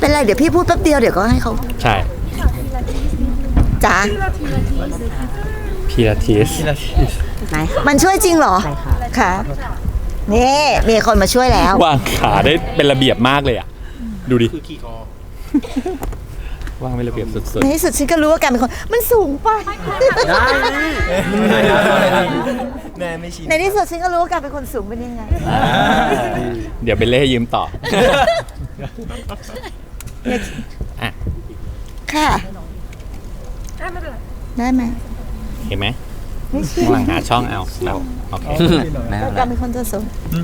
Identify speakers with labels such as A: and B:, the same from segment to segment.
A: เป็นไรเดี๋ยวพี่พูดแป๊บเดียวเดี๋ยวก็ให้เขา
B: ใช่
A: จ๋า
B: พิลาทิส
A: มันช่วยจริงเหรอค่ะนี่มีคนมาช่วยแล้ว
B: วางขาได้เป็นระเบียบมากเลยอ่ะดูดิวางเป็นระเบียบสุด
A: ในที่สุดฉันก็รู้ว่าการเป็นคนมันสูงไป
C: แม่ไม่ชิน
A: ในที่สุดฉันก็รู้ว่าการเป็นคนสูงเป็นยังไง
B: เดี๋ยวเป็นเล่ยืมต่อ
A: ค่ะได้ไหม
B: เห็นไหมกำลังหาช่องเอาโอเค
A: การเป็นคนตัวสูง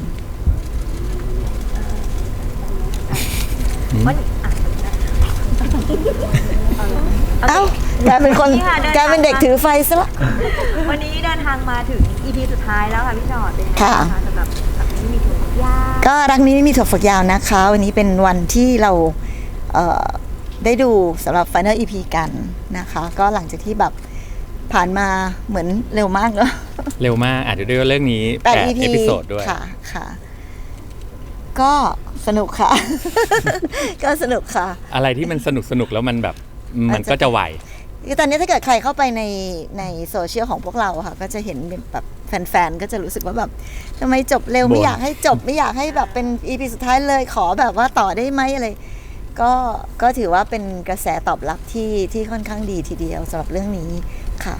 A: เอ้าแกเป็นคนแกเป็นเด็กถือไฟซะละ
D: วันนี้เดินทางมาถึง EP สุดท้ายแล้วค่ะพี่จอดเป็นยังไงคะสำหรับที่มีถั่วฝักยาว
A: ก็รักนี้ไม่มีถั่วฝักยาวนะคะวันนี้เป็นวันที่เราได้ดูสำหรับ Final EP กันนะคะก็หลังจากที่แบบผ่านมาเหมือนเร็วมากเนาะ
B: เร็วมากอาจจะด้วยเรื่องนี้8 เอพิโซดด้วย
A: ค่ะก็สนุกค่ะ ก็สนุกค่ะ
B: อะไรที่มันสนุกแล้วมันแบบมันก็จะไหว
A: ตอนนี้ถ้าเกิดใครเข้าไปในโซเชียลของพวกเราค่ะก็จะเห็นแบบแฟนๆก็จะรู้สึกว่าแบบทำไมจบเร็วไม่อยากให้จบไม่อยากให้แบบเป็น EP สุดท้ายเลยขอแบบว่าต่อได้ไหมอะไรก็ถือว่าเป็นกระแสตอบรับที่ค่อนข้างดีทีเดียวสำหรับเรื่องนี้ค่ะ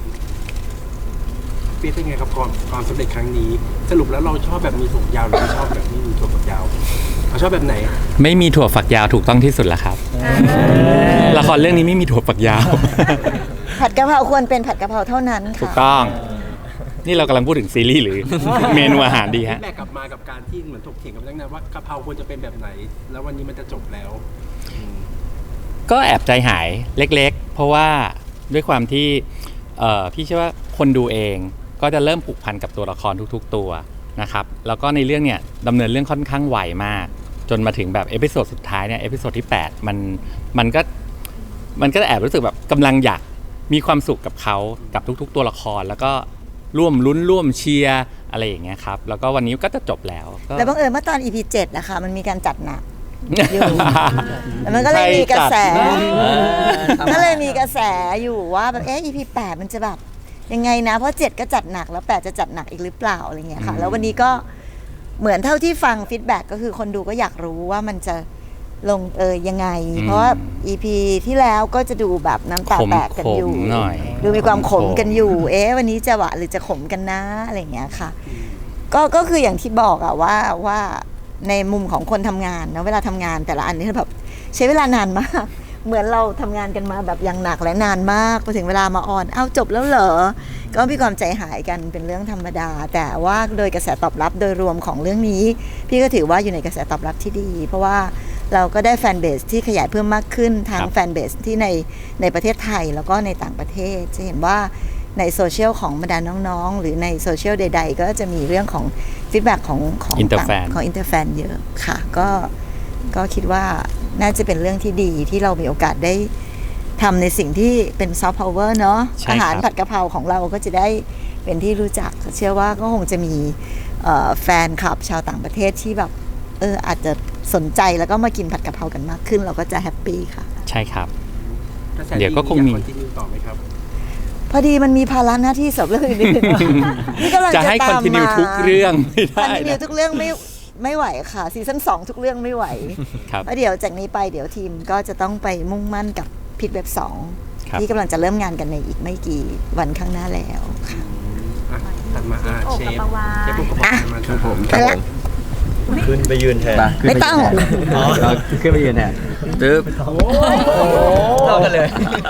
C: เป็นไงครับความสำเร็จครั้งนี้สรุปแล้วเราชอบแบบมีถั่วยาวหรือชอบแบบไม่มีถั่วฝักยาวเราชอบแบบไหน
B: ไม่มีถั่วฝักยาวถูกต้องที่สุดแล้วครับละครเรื่องนี้ไม่มีถั่วฝักยาว
A: ผัดกะเพราควรเป็นผัดกะเพราเท่านั้นค่ะ
B: ถูกต้องนี่เรากำลังพูดถึงซีรีส์หรือเมนูอาหารดีฮะ
C: แม่กลับมากับการที่เหมือนถกเถียงกันตั้งนานว่ากะเพราควรจะเป็นแบบไหนแล้ววันนี้มันจะจบแล้ว
B: ก็แอบใจหายเล็กๆเพราะว่าด้วยความที่พี่เชื่อว่าคนดูเองก็จะเริ่มผูกพันกับตัวละครทุกๆตัวนะครับแล้วก็ในเรื่องเนี่ยดำเนินเรื่องค่อนข้างไวมากจนมาถึงแบบเอพิโซดสุดท้ายเนี่ยเอพิโซดที่8มันก็แอบรู้สึกแบบกำลังอยากมีความสุขกับเขากับทุกๆตัวละครแล้วก็ร่วมลุ้นร่วมเชียร์อะไรอย่างเงี้ยครับแล้วก็วันนี้ก็จะจบแล้ว
A: แต่บังเอิญเมื่อตอน EP 7นะคะมันมีการจัดหนักอยู่แล้วมันก็เลยมีกระแสอยู่ว่าแบบEP 8มันจะแบบยังไงนะเพราะ7ก็จัดหนักแล้ว8จะจัดหนักอีกหรือเปล่าอะไรเงี้ยค่ะแล้ววันนี้ก็เหมือนเท่าที่ฟังฟีดแบ็กก็คือคนดูก็อยากรู้ว่ามันจะลงยังไงเพราะว่า EP ที่แล้วก็จะดูแบบน้ำตาแตกกันอยู่ดูมีความขมกันอยู่วันนี้จะหวานหรือจะขมกันนะอะไรเงี้ยค่ะก็คืออย่างที่บอกอะว่าในมุมของคนทำงานนะเวลาทำงานแต่ละอันนี่แบบใช้เวลานานมากเหมือนเราทำงานกันมาแบบอย่างหนักและนานมากพอถึงเวลามาออนจบแล้วเหรอก็มีความใจหายกันเป็นเรื่องธรรมดาแต่ว่าโดยกระแสตอบรับโดยรวมของเรื่องนี้พี่ก็ถือว่าอยู่ในกระแสตอบรับที่ดีเพราะว่าเราก็ได้แฟนเบสที่ขยายเพิ่มมากขึ้นทั้งแฟนเบสที่ในประเทศไทยแล้วก็ในต่างประเทศจะเห็นว่าในโซเชียลของบรรดาน้องๆหรือในโซเชียลใดๆก็จะมีเรื่องของฟีดแบ็กของ
B: อินเตอร์
A: แฟนเยอะค่ะก็คิดว่าน่าจะเป็นเรื่องที่ดีที่เรามีโอกาสได้ทำในสิ่งที่เป็นซอฟต์พาวเวอร์เนาะอาหารผัดกะเพราของเราก็จะได้เป็นที่รู้จักเชื่อว่าก็คงจะมีแฟนคลับชาวต่างประเทศที่แบบอาจจะสนใจแล้วก็มากินผัดกะเพรากันมากขึ้นเราก็จะแฮปปี้ค่ะ
B: ใช่ครับเดี๋ยวก็คงมี
C: ต่อไหมครับ
A: พอดีมันมีภาระหน้าที่สำหรับเรื่องอื่นนี่กำลัง
B: จะให้คอนติเนียทุกเรื่องไม่ได้
A: คอนติเนียทุกเรื่องไม่ไหวค่ะซีซั่น2ทุกเรื่องไม่ไหวแล้วเดี๋ยวจากนี้ไปเดี๋ยวทีมก็จะต้องไปมุ่งมั่นกับพิทเว็บ2ที่กำลังจะเริ่มงานกันในอีกไม่กี่วันข้างหน้าแล้วค่ะ
C: ถัดมาเชฟปุ๊กกับมาครับผม
E: ขึ้นไปยืนแทน
A: ไม่ต้อง
E: ขึ้นไปยืนแทนตึ๊บเท่ากันเลย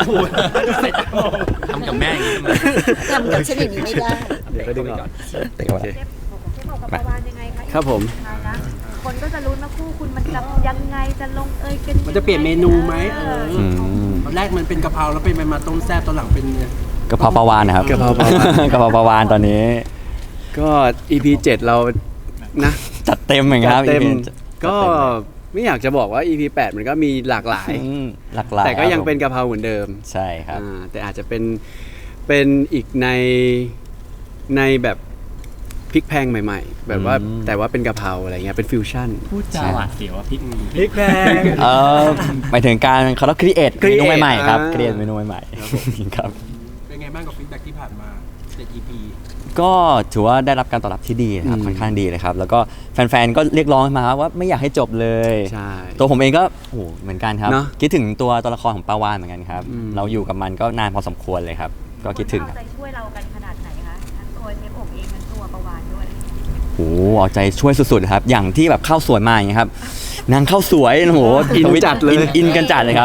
B: ทำกับแม่อย่างนี้
A: ทำกับฉันอย่างนี้ไม่ได้
E: เดี๋ยวก็ดึงออก
D: เต็มกับประวานยังไงคะ
E: ครับผม
D: คนก็จะลุ้นว่าคู่คุณมันจะยังไงจะลงกัน
C: มันจะเปลี่ยนเมนูไหมตอนแรกมันเป็นกะเพราแล้วเป็นมาต้มแซ่บตอนหลังเป็น
E: กะเพราปลาวานนะครับกะเพราปลาวานตอนนี้ก็ EP 7เรานะจัดเต็มเหมือนครับ EP ก็ไม่อยากจะบอกว่า EP 8มันก็มีหลากหลายแต่ก็ยังเป็นกะเพราเหมือนเดิม
B: ใช่ครับ
E: แต่อาจจะเป็นอีกในแบบพริกแพงใหม่ๆ แบบว่าแต่ว่าเป็นกะเพราอะไรเงี้ยเป็นฟิวชั่น
B: พูดจาหวาดเสียวว่าพริก
E: แพง
F: หมายถึงการเขาเรียกครีเอทเมนูใหม่ๆครับครีเอทเมนูใหม่ๆครับ
C: เป็นไงบ้างกับฟีดแบ็กที่ผ่านมา7 EP
F: ก็ถือว่าได้รับการตอบรับที่ดีนะครับค่อนข้างดีเลยครับแล้วก็แฟนๆก็เรียกร้องมาว่าไม่อยากให้จบเลย
E: ใช่
F: ตัวผมเองก็โอ้โหเหมือนกันครับ
E: เนอะ
F: คิดถึงตัวละครของปาวานเหมือนกันครับ
E: อืม
F: เราอยู่กับมันก็นานพอสมควรเลยครับ ก็คิดถึง
D: เอา
F: ครับ
D: ใจช่วยเรากันขนาดไหนคะทั้งตัวเชฟโอบเองทั้งตัวประวานด้วย
F: โอ้โหเอาใจช่วยสุดๆครับอย่างที่แบบข้าวสวยมาอย่างเงี้ยครับนางข้าวสวยโอ้โห
E: อินจัดเลย
F: อินกันจัดเลยครับ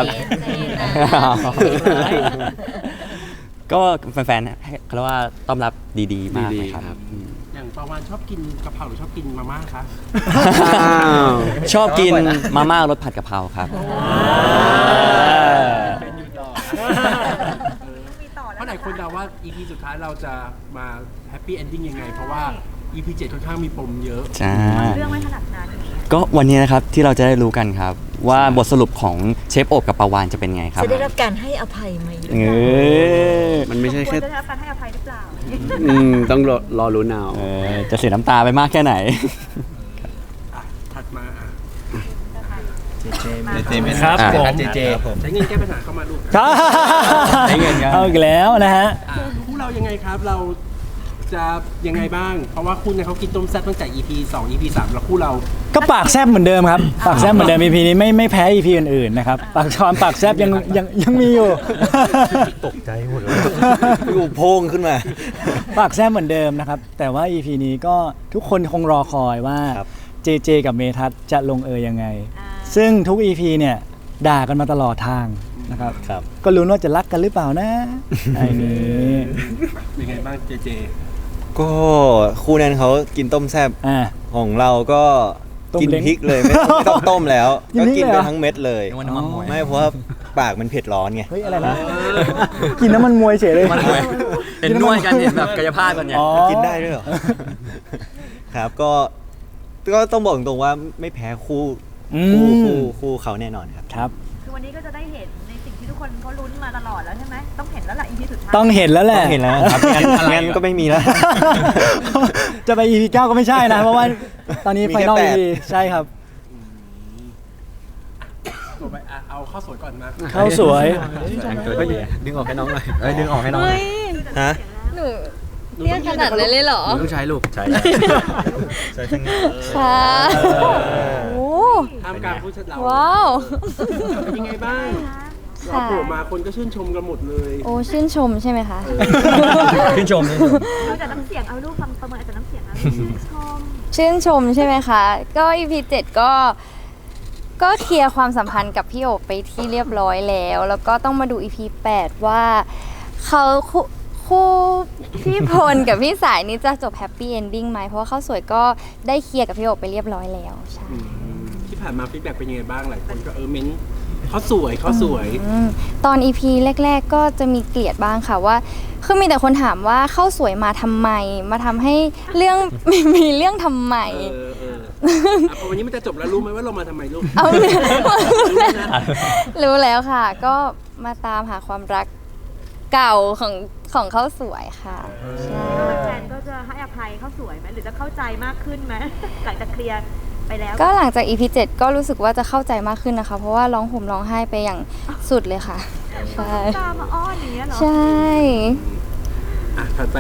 F: ก็แฟนๆให้เขาเรียกว่าต้อนรับดีๆมาก
E: ดี
F: เลย
E: ๆ
F: ครับ
E: ครับ
C: อย่างปาวานชอบกินกะเพราหรือชอบกินมาม่าคะ
E: อ้าว
F: ชอบกินมาม่ารสผัดกะเพราครับ
D: มีต่อ
C: เพ
D: แล้ว
C: ราะหลายคนเดาว่า EP สุดท้ายเราจะมาแฮปปี้เอนดิ้งยังไง เพราะว่า EP 7ค่อนข้างมีปมเยอะ
F: ใช่
D: เรื่องไม่ขนาดนั้น
F: ก็วันนี้นะครับที่เราจะได้รู้กันครับ ว่าบทสรุปของเชฟโอบกับปาวานจะเป็นไงครับ
A: จะได้รับการให้อภัยไหม
F: เออ
E: มันไม่ใช่
D: คว
E: แค่
D: รจะได้รับการให้อภัยหรือเปล่า
E: ต้องรอลุ้นเอา
F: เออจะเสียน้ำตาไปมากแค่ไหน
C: อ่ะ ถัดมาอ่ะ
G: ครับผม
C: ใช้เงินแก้ปัญหาเข้ามาลูก
F: ใช้เงินครับ
G: เอาอีกแล้วนะฮะ
C: คู่เรายังไงครับ เราจะยังไงบ้าง เพราะว่าคู่เนี่ยเขากินต้มแซ่บตั้งแต่ EP 2 EP 3 แล้วคู่เรา
G: ก็ปากแซบเหมือนเดิมครับ ปากแซบเหมือนเดิม EP นี้ไม่แพ้ EP อื่นๆนะครับปากแซบยังมีอยู่
H: ตกใจหมดเลยอยู่โพงขึ้นมา
G: ปากแซบเหมือนเดิมนะครับ แต่ว่า EP นี้ก็ทุกคนคงรอคอยว่า
H: ครับ
G: เจเจกับเมทัศน์จะลงเอยยังไง ซึ่งทุก EP เนี่ยด่ากันมาตลอดทางนะครับ
H: ครับ
G: ก็ลุ้นว่าจะรักกันหรือเปล่านะไอ้นี้
C: เป็นไงบ้างเจเจ
H: ก็คู่นั้นเขากินต้มแซ่บ
G: อ่า
H: ของเราก็
G: ต้ม
H: กิน
G: เล้ง
H: พริกเลยไม่ต้องต้มแล้ว
G: กิน
H: ก็
G: พริก
H: กิน
G: เลยเห
H: ไป
G: รอ
H: ทั้งเม็ดเลย
F: นึกว่าน้ำมันมวย
H: ไม่เพราะว่าปากมันเผ็ดร้อนไง
G: เฮ้ยอะไรนะกินน้ำมันมวยเฉยเลย
F: เห็นนวดกันเห็นแบบกายภาพกันเนี่ย
G: อ๋อ
H: กินได้ด้วยเหรอ ครับก็ต้องบอกตรงๆว่าไม่แพ้คู่
G: อื
H: คู่
G: ม
H: เขาแน่นอนครับ
G: ครับ
D: คือวันนี้ก็จะได้เห็นในสิ่งที่ทุกคนเขาลุ้นมาตลอดแล้วใช่ไหมต้องเห็นแล้วล่ะ EP สุดท้าย
G: ต้องเห็นแล้วแหละ
H: ต้องเห็นแล้วครับงั้นก็ไม่มีแล้ว
G: จะไป EP 9 ก็ไม่ใช่นะ เพราะว่าตอนนี้
H: มี
G: ไฟ
H: แค่
G: นอล
H: แปด
G: EP ใช่ครับ
C: ต่อไปอ่ะเอาข้าวสวยก่อนมา
G: ข้าวสวย
E: ดึงออกให้น้องหน่อยดึงออกให้น้องหน่อย
H: ฮะ
I: หนูเรียกขนาดนั้นเลยเหรอ
E: ต้องใช้ลูกใช้
H: ใช่ทั้งนี้
I: ค่ะโอ้
C: ท่ามกลางผู้ชนะเรา
I: ว้าว
C: เป็นยังไงบ้างเรา
I: ค่ะ
C: โผล่มาคนก็ชื่นชมกันหมดเลย
I: โอ้ชื่นชมใช่ไหมคะ
F: ชื่นชม
D: เอาจากน้ำเสียงเอารูปฟังประเมินจากน้ำเสียงนะชื่นชม
I: ชื่นชมใช่ไหมคะ ก็ EP 7ก็เคลียร์ความสัมพันธ์กับพี่โอบไปที่เรียบร้อยแล้ว แล้วก็ต้องมาดู EP 8 ว่าเขาคู่พี่พลกับพี่สายนี่จะจบแฮปปี้เอนดิ้งไหมเพราะว่าเขาสวยก็ได้เคลียร์กับพี่โอบไปเรียบร้อยแล้วใช่
C: ที่ผ่านมาฟีดแบ็กเป็นยังไงบ้างหลายคนก็เม้นเขาสวย
I: ตอน EP แรก ๆ ก็จะมีเกลียดบ้างค่ะว่าคือมีแต่คนถามว่าเข้าสวยมาทำไม มาทำให้เรื่อง มีเรื่องทำไม
C: พอวันนี้มันจะจบแล้วรู้ไหมว่าเรามาทำไมลูก
I: เอา
C: นะ
I: รู้แล้วค่ะ ก็มาตามหาความรักเก่าของเข้าสวยค่ะใช่
D: แฟนก็จะให้อภัยเขาสวยไหมหรือจะเข้าใจมากขึ้นไหมหลังจากเคลียร์ไปแล้ว
I: ก็หลังจาก EP 7 ก็รู้สึกว่าจะเข้าใจมากขึ้นนะคะ เพราะว่าร้องห่มร้องไห้ไปอย่างสุดเลยค่ะ ใช่
D: ตามมาอ้อนอย่างเงี้ยเหรอ
I: ใช่
C: ถัดไป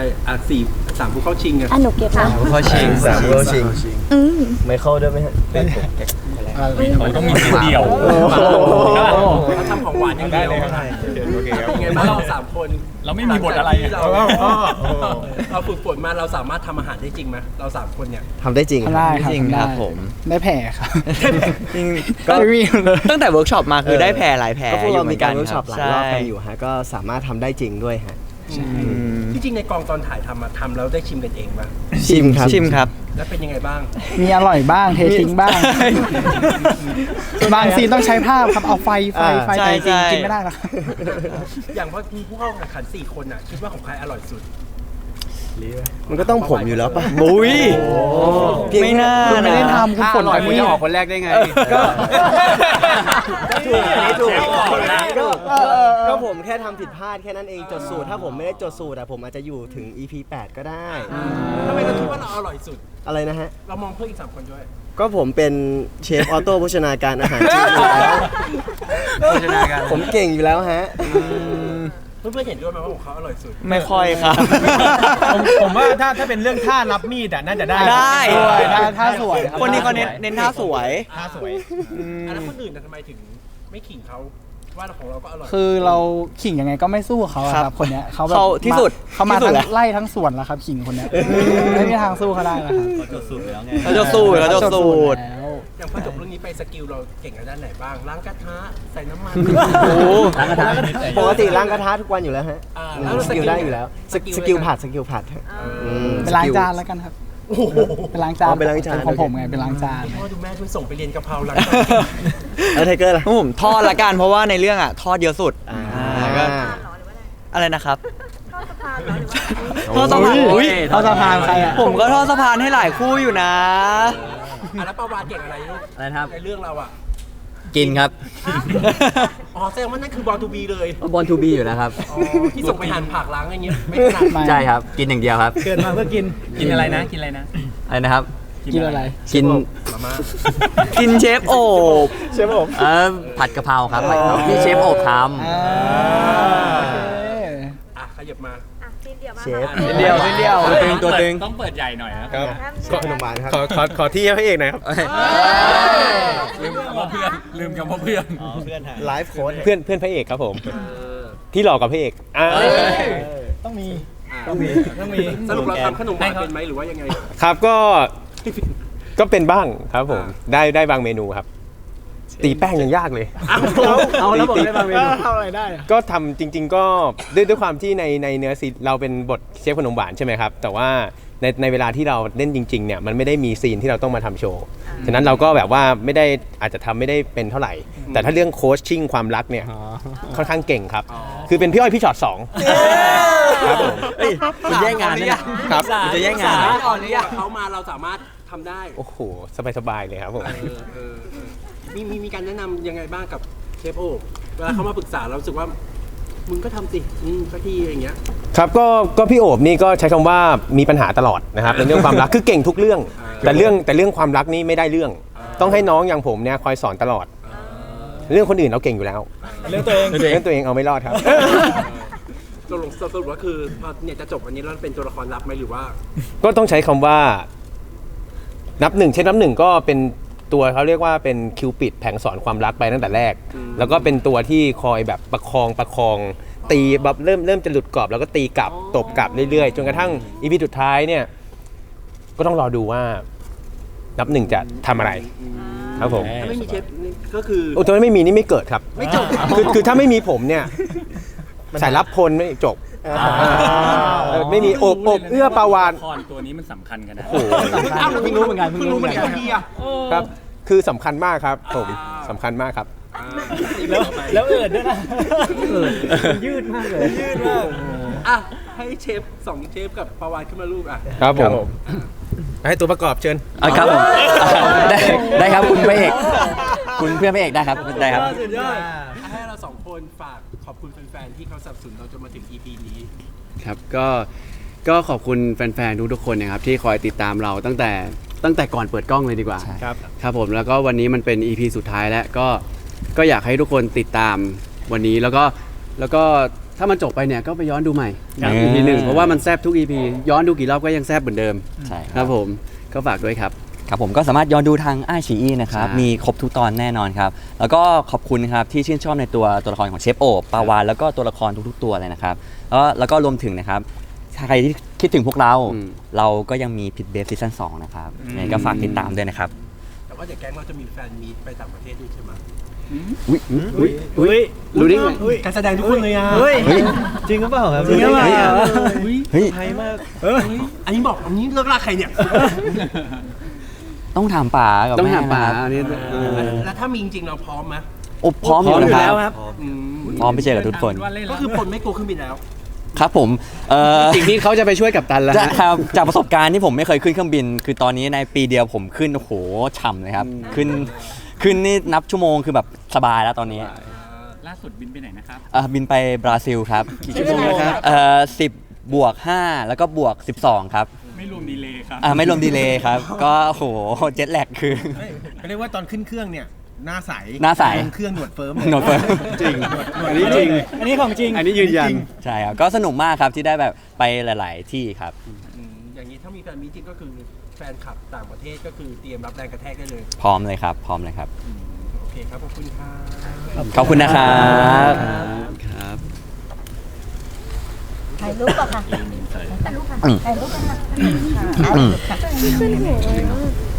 C: 3ผู้เข้าชิงกัน
I: หนูเก็บนะ
H: ข้อชิง3ข้อชิง
I: อืม
H: ไม่เข้าด้วยไหมฮะ
B: มันต้องมีทีเดียว
C: เขาทำของหวานอย่างเดียวยังไงบ้างเรา3 คน
B: เราไม่มีบทอะไร
C: เราฝึกฝนมาเราสามารถทำอาหารได้จริงไหมเรา3 คนเนี่ย
H: ทำได้จริง
G: ได้ครับ
H: จริงครับผม
G: ได้แผลครับ
H: จริงก็
G: ไม่มีเลย
F: ตั้งแต่เวิร์กช็อปมาคือได้แพรหลายแพร
H: ก็พวกเรา
F: อยู่ห
H: มี
F: น
H: การ
F: น
H: เวิร์กช็อปหลายรอบกันอยู่
F: ใช่
H: ฮะก็สามารถทำได้จริงด้วยฮะ
C: ที่จริงในกองตอนถ่ายทำแล้วได้ชิมกันเองป่ะ
H: ชิมครับ
F: ชิมครับ
C: แล้วเป็นยังไงบ้าง
G: มีอร่อยบ้างเททิ้งบ้าง บางซีนต้องใช้ภาพครับเอาไฟ
F: ใช่
G: แต่จริง
F: ใช่
G: กินไม่ได้หรอก
C: อย่างพอมีผู้เข้าแข่งขัน4 คนอ่ะคิดว่าของใครอร่อยสุด
H: มันก็ต้องผมอยู่แล้วป่ะ
F: บุ้ยไม่น่า
G: คุณไม่ได้
F: นะ
G: ทำคุณฝน
E: อร่อย
G: ไป
E: คุณ
G: นี่
E: จะออกคนแรกได้ไง
H: ก็ถูกอันนี้ถูกก็ผมแค่
J: ค่ทำผิดพลาดแค่นั้นเองจดสูตรถ้าผมไม่ได้จดสูตรผมอาจจะอยู่ถึง EP 8 ก็ได้
C: ทำไมเราคิดว่าเราอร่อยสุด
J: อะไรนะฮะ
C: เรามองเพื่อนอีก3 คนด้วย
J: ก็ผมเป็นเชฟออโต้โภชนาการอาหารจีนอยู่แล้ว
H: โภชนาการ
J: ผมเก่งอยู่แล้วฮะ
C: เพื่อนๆเห็นด้วยไหมว่าของเขาอร่อยสุด
H: ไม่ค่อยครับ
K: ผมว่าถ้าเป็นเรื่องท่ารับมีดน่าจะได้
H: ได้
K: ท่าสวยรับ
H: คนนี้เขาเน้นท่าสวย
K: ท่าสวย
C: แล้วคนอื่นทำไมถึงไม่ขิงเขาว่าของเราก็อร่อย
K: คือเราขิงยังไงก็ไม่สู้เขาอะค
H: ครั
K: รับบ คนเนี้ยเขาแบบ
H: เขาที่สุด
K: เขามา
H: ที่สุด
K: ทั้ง
H: แล้ว
K: ไล่ทั้งสวนแล้วครับขิงคนเนี้ยไม่มีทางสู้เขาได้แล้วครับ
H: เขาจะสูตร
K: แล้ว
C: อย่างพอจบเรื่องนี้ไปสกิลเราเก่งในด้านไหนบ้างล้างกระทะใส่น้ำมัน
J: โอ้
H: ล้างกระทะ
J: ปกติล้างกระทะทุกวันอยู่แล้วฮะ
C: แล้ว
J: สกิลได้อยู่แล้วสกิลผัดฮะ
K: ไปล้างจานแล้วกันครับไปล้างจาน
J: ไปล้างจาน
K: ของผมไงไปล้างจาน
C: พ่อดูแม่คุณส่งไปเรียนกะเพราล้าง
J: แล้วไทเกอร์ล่ะ
H: ผมทอดละกันเพราะว่าในเรื่องอ่ะทอดเยอะสุด ก็
D: หรอหรือว่าอะไร
H: อะไรนะครับ
D: ทอดสะพานเหรอหรือว่า
H: ทอดสะพาน
K: อุ๊ยทอดสะพานใครอะ
H: ผมก็ทอดสะพานให้หลายคู่อยู่นะ
C: แล้วปาวานเก่งอะไรลูก
H: อะไรนะครับ
C: ในเรื่องเราอ่ะ
F: กินครับ
C: อ๋อแสดงว่านั่นคือบอลทูบีเลย
F: บอลทูบีอยู่แล้วครับ
C: อ๋อที่ส่งไปหั่นผักล้างอะไรเงี้ยไม่ถนัด
F: ใช่ครับ กินอย่างเดียวครับ
K: เกิดมาเพื่อกิน
B: กินอะไรนะกินอะไรนะ
F: อะไรนะครับ
K: กินอะไร
F: กิน
C: มาม่า
F: กินเชฟโอบ
J: เชฟผม
F: ผัดกะเพราครับผัดกะเพราที่เชฟโอบท
K: อ่า
C: อ่ะขยับมา
D: อ่ะซีนเดียวมา
J: เชฟ
D: ค่ะ
H: เดียวเดียว
F: ตัวตึง
B: ต้องเปิดใหญ่หน่อยนะ
J: ครับ
D: ห้าม
J: ขนมหวานครับ
K: ขอที่ให้พระเอกหน่อยครับ
B: ลืมคำว่าเพื่อนลืมคำว่าเพื่อน
J: ไลฟ์โค้ด
K: เพื่อนพระเอกครับผม ที่หลอกกับพระเอกต้องมี
C: สรุปเราทำขนมหวานเป็นไหมหรือว่ายังไง
K: ครับก็เป็นบ้างครับผมได้บางเมนูครับ ตีแป้งยังยากเลย
J: เอาแล้วบอกได้บางเมนู
K: ทำอะไรได้ก็ทำจริง ๆ ก็ด้วยความที่ในเนื้อซีเราเป็นบทเชฟขนมหวานใช่ไหมครับ แต่ว่าในเวลาที่เราเล่นจริงๆเนี่ยมันไม่ได้มีซีนที่เราต้องมาทำโชว์ฉะนั้นเราก็แบบว่าไม่ได้อาจจะทำไม่ได้เป็นเท่าไหร่ แต่ถ้าเรื่องโค้ชชิ่งความรักเนี่ยค่อนข้างเก่งครับ คือเป็นพี่อ้อยพี่ชอตสองครับผม
F: คุณแย่งงานนะเนี่ย
K: ครับ
F: คุณจะแย่งงาน
C: อ่อนเนี่ยเขามาเราสามารถทำได้
K: โอ้โหสบายๆเลยครับผม
C: มีการแนะนำยังไงบ้างกับเชฟโอ๊เวลาเขามาปรึกษาเรารู้สึกว่ามึงก็ทำสิสักทีอย่างเงี้ย
K: ครับก็พี่โอบนี่ก็ใช้คำว่ามีปัญหาตลอดนะครับในเรื่องความรักคือเก่งทุกเรื่อง แต่เรื่องความรักนี่ไม่ได้เรื่อง ต้องให้น้องอย่างผมเนี่ยคอยสอนตลอด เรื่องคนอื่นเราเก่งอยู่แล้ว เรื่องตัวเองเอาไม่รอดครับ
C: สรุปว่าคือพอเนี่ยจะจบวันนี้แล้วเป็นตัวละครลับไหมหรือว่า
K: ก็ต้องใช้คำว่านับหนึ่งเช่นนับหนึ่งก็เป็นตัวเขาเรียกว่าเป็นคิวปิดแผงสอนความรักไปตั้งแต่แรก แล้วก็เป็นตัวที่คอยแบบประคองตีแบบเริ่มจะหลุดกรอบแล้วก็ตีกลับตบกลับเรื่อยๆจนกระทั่งอีพีสุดท้ายเนี่ยก็ต้องรอดูว่านับหนึ่งจะทำอะไรครับผม
C: ถ้าไม่มีเชฟก็คือ
K: โอ้ถ้าไม่มีนี่ไม่เกิดครับ
C: ไม่จบ
K: คือถ้าไม่มีผมเนี่ยสายรับพลไม่จบไม่มีอบเอื้อปาวาน
B: ละครตัวนี้มันสำคัญกันนะ
K: โอ้โห
C: เพิ่งรู้เหมือนกันทีอ่ะ
K: ครับคือสำคัญมากครับผมสำคัญมากครับ
G: แล้วเอิดด้วยนะยืดมากเลย
C: อ่ะให้เชฟ2เชฟกับปาวานขึ้นมาลูกอ่ะ
K: ครับผมให้ตัวประกอบเชิญ
F: ครับผมได้ครับคุณพระเอก คุณเพื่อนพระเอกได้ครับได้ครับ
C: ให้เรา2คนฝากขอบคุณแฟนๆที่เขาสนับสนุนเราจนมาถึง EP นี้
E: ครับก็ขอบคุณแฟนๆทุกๆคนนะครับที่คอยติดตามเราตั้งแต่ก่อนเปิดกล้องเลยดีกว่า ครับผมแล้วก็วันนี้มันเป็น EP สุดท้ายแล้วก็อยากให้ทุกคนติดตามวันนี้แล้วก็ถ้ามันจบไปเนี่ยก็ไปย้อนดูใหม่ EP 1เพราะว่ามันแซบทุก EP ย้อนดูกี่รอบก็ยังแซบเหมือนเดิม
F: ใช่
E: ครับผมก็ฝากด้วยครับ
F: ครับผมก็สามารถย้อนดูทางไอชีอีนะครับ
E: ใช่
F: มีครบทุกตอนแน่นอนครับ แล้วก็ขอบคุณครับที่ชื่นชอบในตัวละครของเชฟโอบปาวานแล้วก็ตัวละครทุกๆตัวเลยนะครับแล้วก็รวมถึงนะครับใครที่คิดถึงพวกเรา เราก็ยังมีพิทเบฟซีซั่น2นะครับยังไงก็ฝากติดตามด้วยนะครับ
C: แต่ว่าเดี๋ยวแก๊งเราจะมีแฟนมีตไปต่างประเทศด้วยใช่ไหม
E: รู้ได้ไง
C: การแสดงทุกคนเลยอ่ะ
H: จริงหรือเปล่าครับ
F: จริงหรือเปล่า เฮ้ย
H: ไทยมาก
C: อันนี้บอกอันนี้เลิกลากใครเนี่ย
F: ต้องถามป๋ากับ
E: ต้อง
F: แม่
E: ถามป๋า
F: นะครับ
E: อันนี้
C: แล้วถ้ามีจริงๆเราพร้อมไหม
F: โอ้พร้อมอยู่นะครับ
C: อืม
F: พร้อมไปเจอกับทุกคน
C: ก็คือผลไม่กลัวเครื่องบินแล้ว
F: ครับผม
E: สิ่งที่เขาจะไปช่วยกับตันแล้ว
F: ครับจากประสบการณ์ที่ผมไม่เคยขึ้นเครื่องบิน คือตอนนี้ในปีเดียวผมขึ้นโอ้โหฉ่ำเลยครับขึ้นนี่นับชั่วโมงคือแบบสบายแล้วตอนนี้
B: ล่าสุดบินไปไหนนะครับ
F: บินไปบราซิลครับ
A: กี่ชั่วโมงครับ
F: 10+5แล้วก็+12ครับ
B: ไม่รวมดีเลย์ครับ
F: ไม่รวมดีเลย์ครับ ก็โหเจ็ตแลกคือ
C: เรียกว่าตอนขึ้นเครื่องเนี่ยหน้าใส
F: หน้าใส
C: ลงเครื่องหนวดเฟิร์ม
F: หนวดเฟิร์ม
E: จริงอันนี้จริง
G: อันนี้ของจริง
E: อันนี้ยืนยัน
F: ใช่ครับก็สนุกมากครับที่ได้แบบไปหลาย ๆ ที่ครับ
C: อย่างนี้ถ้ามีแฟนมีตติ้งก็คือแฟนคลับต่างประเทศก็คือเตรียมรับแรงกระแทกได้เลย
F: พร้อมเลยครับ พร้อมเลยครับ
C: โอเคครับขอบคุณค่ะ
F: ขอบคุณนะครับ
E: ครับ
A: ถ่ายรูปก่อนค่ะ
F: อืม
A: ถ่ายรูปกันค่ะ
F: อืม
A: ขึ้นหัว